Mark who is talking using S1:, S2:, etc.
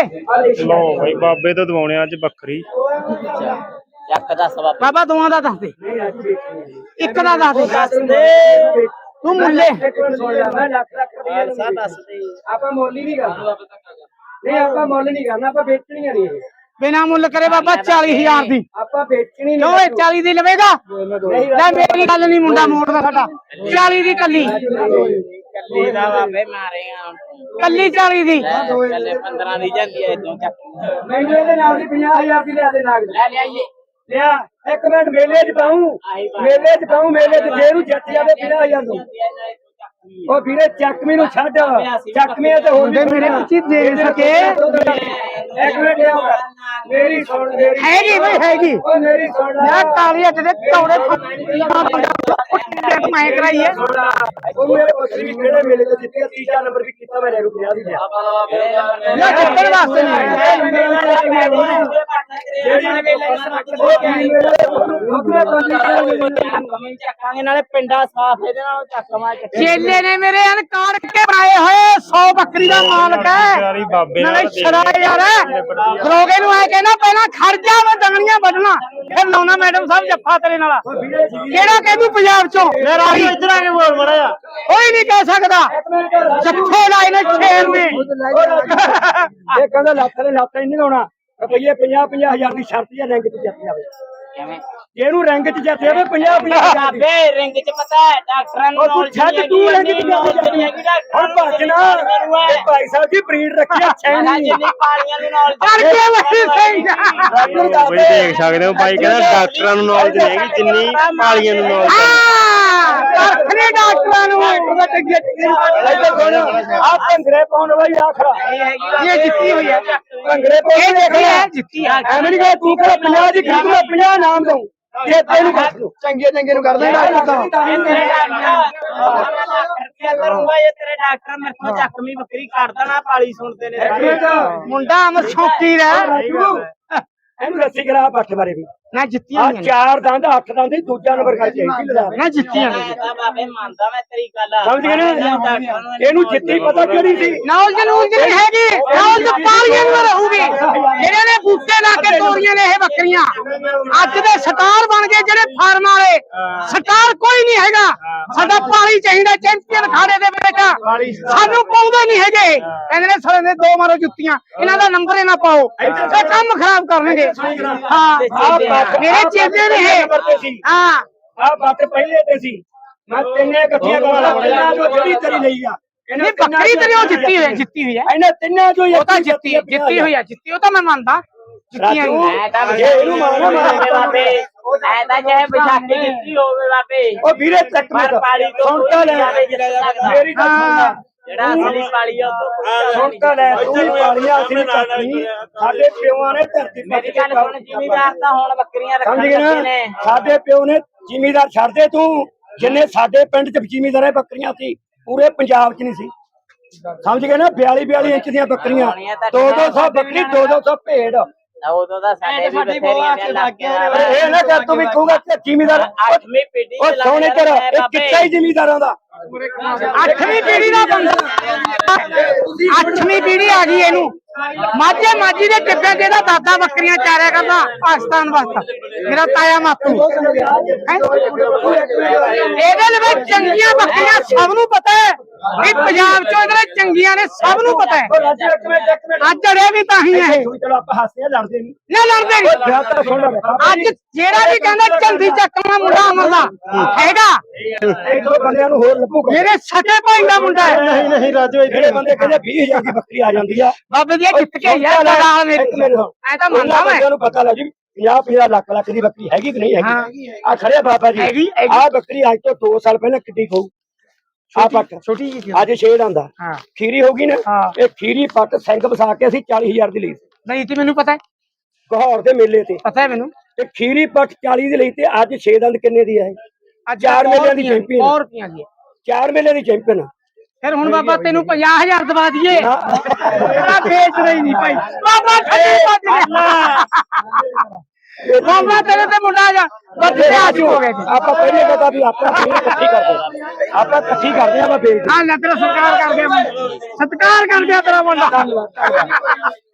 S1: लो भाई बाबे तो दवाने अज बकरी
S2: बाबा दोवां दा दस दे एक दा दस दे तू मुल्ले
S3: ਆਪਾਂ ਮੁੱਲ ਹੀ ਨਹੀਂ ਕਰਨਾ ਨਹੀਂ ਆਪਾਂ ਮੁੱਲ ਨਹੀਂ ਕਰਨਾ ਆਪਾਂ ਵੇਚਣੀ ਨਹੀਂ
S2: बिना मुल करे बाबा 40,000 दी
S3: ਆਪਾਂ ਵੇਚਣੀ
S2: क्यों 40 दी लवेगा ले मेरी गल नहीं मुंडा मोड़दा साडा 40 दी कल्ली
S4: ਕੱਲੀ ਦਾ ਬਾਬੇ ਮਾਰੇਗਾ
S2: कल्ली 40 दी
S4: ਕੱਲੇ 15 ਦੀ ਜਾਂਦੀ ਐ ਇਦੋਂ ਚੱਕ
S3: ਮੈਨੂੰ ਇਹਦੇ ਨਾਲ ਦੀ 50,000 ਦੀ ਲਿਆ ਦੇ ਨਾਗ
S4: ਲੈ ਲਿਆਈਏ
S3: ਲਿਆ ਇੱਕ ਮਿੰਟ ਮੇਲੇ 'ਚ ਪਾਉਂ ਮੇਲੇ 'ਚ ਜੇ ਨੂੰ ਜੱਟ ਜਾਵੇ 50,000 ਨੂੰ ਉਹ ਵੀਰੇ ਚੱਕਵੀਂ ਨੂੰ ਛੱਡ ਚੱਕਵੀਂ ਤੇ ਹੋਰ
S2: मुंडे मेरे कुछ दे सके
S3: ਇੱਕ ਮਿੰਟ ਆਉਂਦਾ ਮੇਰੀ ਸੁਣ ਮੇਰੀ
S2: हैगी भाई हैगी
S3: ਉਹ ਮੇਰੀ ਸੁਣ
S2: यार काली अट दे तौड़े मैं कराइए
S3: ਉਹ ਮੇਰੇ ਬੱਕਰੀ ਵੀ ਕਿਹੜੇ ਮੇਲੇ ਤੋਂ ਜਿੱਤਿਆ ਤੀਜਾ ਨੰਬਰ ਵੀ ਕੀਤਾ ਮੈਂ ਰੇਰੂ 50 ਦੀ ਲਿਆ
S2: ना चक्कर वास्ते नहीं
S4: ਚੱਕਾਂਗੇ ਨਾਲੇ ਪਿੰਡਾ ਸਾਫ ਇਹਦੇ ਨਾਲ ਚੱਕਵਾ
S2: चेले ने मेरे अन काट के बनाए हुए 100 बकरी का मालक है
S1: यारी बाबे
S2: नाले शराय यार दरोगे नु आए कहना पहला खर्चा मैं दंगलियां बदलना फिर लाउना मैडम साहब जफ्फा तेरे नाला केड़ा कहदू पंजाब चों मेरा इधर आके बोल बड़ा या कोई नहीं कह सकदा जफ्फे लाए ने शेर ने
S3: ਇਹ ਕਹਿੰਦਾ ਲੱਖ ਨੇ ਲੱਖ ਨਹੀਂ ਲਾਉਣਾ ਰੁਪਈਏ 50,000 ਦੀ ਸ਼ਰਤ ਹੈ ਰੈਂਕ 'ਚ ਜਿੱਤ ਜਾਵੇ
S4: ਕਿਵੇਂ
S3: ਇਹਨੂੰ ਰੈਂਕ 'ਚ ਜਿੱਤ ਜਾਵੇ 50,000 ਦੀ
S4: ਬਾਬੇ ਰਿੰਗ ਚ ਪਤਾ ਹੈ ਡਾਕਟਰਾਂ ਨੂੰ
S3: ਉਹ ਤੂੰ ਛੱਡ ਤੂੰ ਰੈਂਕ 'ਚ ਹੁਣ ਭੱਜਣਾ ਇਹ ਭਾਈ ਸਾਹਿਬ ਜੀ ਬਰੀਡ ਰੱਖਿਆ ਛੈਣੀ
S4: ਜਿੰਨੀ ਪਾਲੀਆਂ ਨੂੰ ਨਾਲ
S2: करके वही सही
S1: बई देख सकते हो भाई कहना डॉक्टरां नूं नॉलेज नहीं हैगी जिन्नी पालियां नूं नॉलेज
S2: अपने डॉक्टरां नु
S3: ਆ ਭੰਗਰੇ ਪਾਉਣ ਵਾਲੀ ਆਖਰਾ
S2: ये जीती हुई है
S3: ਭੰਗਰੇ
S2: ये
S3: ਪਾਉਣ
S2: देखी है जीती है
S3: ਐਵੇਂ ਨਹੀਂ ਕਿ ਤੂੰ ਕਿਹੜਾ 50 ਦੀ ਖਰੀਦ ਮੈਂ 50 ਨਾਮ ਦਊਂ ਜੇ ਤੈਨੂੰ ਚੰਗੇ ਨੂੰ ਕਰ ਦੇਣਾ
S4: ਕਰੂੰਗਾ ਇਹ ਤੇਰੇ ਡਾਕਟਰ ਮੇਰੇ ਤੋਂ ਚੱਕਵੀਂ ਬੱਕਰੀ ਕੱਢ ਦੇਣਾ ਪਾਲੀ ਸੁਣਦੇ ਨੇ
S2: मुंडा हम शौकी रहा
S3: ਇਹਨੂੰ ਰੱਸੀ ਕਰਾ ਪੱਠ ਬਾਰੇ ਵੀ
S2: ना जीती
S3: ਆ ਚਾਰ ਦੰਦ ਅੱਠ ਦੰਦ ਦੂਜਾ ਨੰਬਰ ਕਰ ਚਾਹੀਦੀ ਲਗਾ
S2: ना जीती है
S4: ਬਾਬੇ ਮੰਨਦਾ ਮੈਂ ਤੇਰੀ ਗੱਲ
S3: ਸਮਝ ਗਏ ਨਾ ਇਹਨੂੰ ਜਿੱਤੀ ਪਤਾ ਕਿਹੜੀ ਸੀ
S2: नौल नहीं हैगी नौल पालियां में रहूगी जेड़े ने बूटे ला के तोड़ियां ने ये बकरियां अज दे स्टार बन गए जेड़े फार्म वाले स्टार कोई नहीं हैगा साडा पाली चाहिदा चैंपियन खाड़े दे बेटा सानू पाउंदे नहीं हैगे कहंदे ने साले ने दो मारो जुत्तियां इन्हां दा नंबर ही ना पाओ ते काम खराब करनगे हां मेरे चेते ने हां
S3: ਆ ਬੱਟ ਪਹਿਲੇ ਤੇ ਸੀ ਮੈਂ ਤਿੰਨੇ ਇਕੱਠੀਆਂ ਕਰਾਂ ਜੋ ਜਿਹੜੀ ਤੇਰੀ ਲਈ ਆ
S2: नहीं बकरी तेरी वो जीती हुई है
S3: ਇਹਨੇ ਤਿੰਨਾਂ ਜੋ
S2: वो तो जीती हुई है जीती वो तो मैं मानता जीतियां
S3: ਇਹਨੂੰ ਮਾਰਨਾ
S4: ਬਾਬੇ ਐ ਤਾਂ ਚਾਹੇ ਵਿਸਾਖੀ ਜਿੱਤੀ ਹੋਵੇ ਬਾਬੇ
S3: ਉਹ ਵੀਰੇ ਚੱਕ
S4: ਪਰ ਪਾਲੀ ਤੋਂ
S3: ਸੁਣ ਤਾਂ ਲੈ ਮੇਰੀ ਗੱਲ ਸੁਣ
S4: ਜਿਹੜਾ ਅਸਲੀ ਪਾਲੀ ਆ ਉਹ
S3: ਸੁਣ ਤਾਂ ਲੈ ਤੂੰ ਵੀ ਪਾਲੀਆਂ ਅਸੀਂ ਚੱਕਣੀ ਸਾਡੇ ਪਿਓਾਂ ਨੇ ਧਰਤੀ
S4: ਮੇਰੀ ਗੱਲ ਸੁਣ ਜ਼ਿਮੀਦਾਰ ਤਾਂ ਹੁਣ ਬੱਕਰੀਆਂ ਰੱਖਣ
S3: ਸਮਝ ਗਏ
S4: ਲੱਗੇ
S3: ਨਾ
S4: ਨੇ
S3: ਸਾਡੇ ਪਿਓ ਨੇ ਜ਼ਿਮੀਦਾਰ ਛੱਡਦੇ ਤੂੰ ਜਿੰਨੇ ਸਾਡੇ ਪਿੰਡ ਚ ਜ਼ਿਮੀਦਾਰਾਂ ਬੱਕਰੀਆਂ ਸੀ ਪੂਰੇ ਪੰਜਾਬ ਚ ਨਹੀਂ ਸੀ ਸਮਝ ਗਏ ਨਾ 42 ਇੰਚ ਦੀਆਂ ਬੱਕਰੀਆਂ 200 ਬੱਕਰੀ 200 ਭੇਡ
S4: ਉਦੋਂ ਦਾ ਸਾਡੇ ਵੀ ਬਥੇਰੀਆਂ ਦੇ ਲੱਗੇ
S3: ਇਹ ਨਾ ਕਰ ਤੂੰ ਵੀ ਕਹੂਗਾ ਕਿ ਜ਼ਿਮੀਦਾਰ
S4: ਅੱਠਵੀਂ ਪੀੜੀ
S3: ਉਹ ਸੋਹਣੇ ਤੇਰਾ ਇਹ ਕਿੱਤਾ ਹੀ ਜ਼ਿਮੀਦਾਰਾਂ ਦਾ
S2: 8ਵੀਂ ਪੀੜੀ ਦਾ ਬੰਦਾ 8ਵੀਂ ਪੀੜੀ ਆ ਗਈ ਇਹਨੂੰ ਮਾਝੀ ਦੇ ਟਿੱਬੇ ਜਿਹਦਾ ਦਾਦਾ ਬੱਕਰੀਆਂ ਚਾਰਿਆ ਕਰਦਾ ਪਾਕਿਸਤਾਨ ਵਾਸਤਾ ਮੇਰਾ ਤਾਇਆ ਮਾਪੂ ਇਹਦੇ ਲਈ ਚੰਗੀਆਂ ਬੱਕਰੀਆਂ ਸਭ ਨੂੰ ਪਤਾ ਹੈ ਵੀ ਪੰਜਾਬ ਚੋਂ ਇਧਰ ਚੰਗੀਆਂ ਨੇ ਸਭ ਨੂੰ ਪਤਾ ਹੈ ਅੱਜ ਅੜੇ ਵੀ ਤਾਂ ਹੀ ਹੈ
S3: ਚਲੋ ਆਪਾਂ ਹੱਸਦੇ ਲੜਦੇ ਨਹੀਂ
S2: ਨਾ ਲੜਦੇ ਨਹੀਂ ਅੱਜ ਜਿਹੜਾ ਵੀ ਕਹਿੰਦਾ ਚੰਦੀ ਚੱਕਣਾ ਮੁੰਡਾ ਅਮਰ ਦਾ ਹੈਗਾ
S3: ਇੱਕ ਦੋ ਬੰਦਿਆਂ ਨੂੰ ਹੋਰ ਲੱਭੂਗਾ
S2: ਮੇਰੇ ਸਕੇ ਭਾਈ ਦਾ ਮੁੰਡਾ ਹੈ
S3: ਨਹੀਂ ਰਾਜੂ ਜਿਹੜੇ ਬੰਦੇ ਕਹਿੰਦੇ 20,000 ਦੀ ਬੱਕਰੀ ਆ ਜਾਂਦੀ ਆ
S2: ਬਾਬੇ ਦੀ ਜਿੱਤ ਕੇ ਯਾਰ ਲਗਾ ਮੇਰੇ ਐ ਤਾਂ ਮੰਨਦਾ ਮੈਂ
S3: ਬੰਦਿਆਂ ਨੂੰ ਪਤਾ ਲੱਗ ਜੀ 50 ਲੱਖ ਦੀ ਬੱਕਰੀ ਹੈਗੀ ਕਿ ਨਹੀਂ ਹੈਗੀ ਆ ਖੜਿਆ ਬਾਬਾ ਜੀ ਆ ਬੱਕਰੀ ਅੱਜ ਤੋਂ 2 ਸਾਲ ਪਹਿਲਾਂ ਕਿੱਡੀ ਖਾਊ ਆ ਪੱਟ
S2: ਛੋਟੀ ਜੀ
S3: ਅੱਜ ਛੇੜ ਆਂਦਾ ਖੀਰੀ ਹੋਗੀ ਨਾ ਇਹ ਖੀਰੀ ਪੱਟ ਸਿੰਘ ਵਸਾ ਕੇ ਅਸੀਂ 40,000 ਦੀ ਲਈ
S2: ਨਹੀਂ ਤੇ ਮੈਨੂੰ ਪਤਾ ਹੈ
S3: ਘਹੌਰ ਦੇ ਮੇਲੇ ਤੇ
S2: ਪਤਾ ਹੈ ਮੈਨੂੰ
S3: ਤੇ ਖੀਰੀ ਪੱਟ 40 ਦੀ ਲਈ ਤੇ ਅੱਜ 6 ਦੰਦ ਕਿੰਨੇ ਦੀ ਆ ਇਹ
S2: ਅੱਜ
S3: 4 ਮੇਲਿਆਂ ਦੀ ਚੈਂਪੀਅਨ
S2: 100 ਰੁਪਈਆ ਦੀ
S3: 4 ਮੇਲਿਆਂ ਦੀ ਚੈਂਪੀਅਨ
S2: ਫਿਰ ਹੁਣ ਬਾਬਾ ਤੈਨੂੰ 50,000 ਦਵਾ ਦਈਏ ਤੇਰਾ ਵੇਚ ਰਹੀ ਨਹੀਂ ਭਾਈ ਬਾਬਾ ਥੱਲੇ ਵੱਜ ਗਿਆ ਬਾਬਾ ਤੇਰੇ ਤੇ ਮੁੰਡਾ ਜਾ ਬੱਚੇ ਆ ਚੁੱਕੇ
S3: ਆਪਾਂ ਪਹਿਲੇ ਕਹਤਾ ਵੀ ਆਪਾਂ ਇਕੱਠੀ ਕਰਦੇ ਆਪਾਂ ਇਕੱਠੀ ਕਰਦੇ ਆਪਾਂ ਵੇਚ
S2: ਹਾਂ ਲੈ ਤੇਰਾ ਸਤਿਕਾਰ ਕਰਦੇ ਆ ਸਤਿਕਾਰ ਕਰਦੇ ਆ ਤੇਰਾ ਮੁੰਡਾ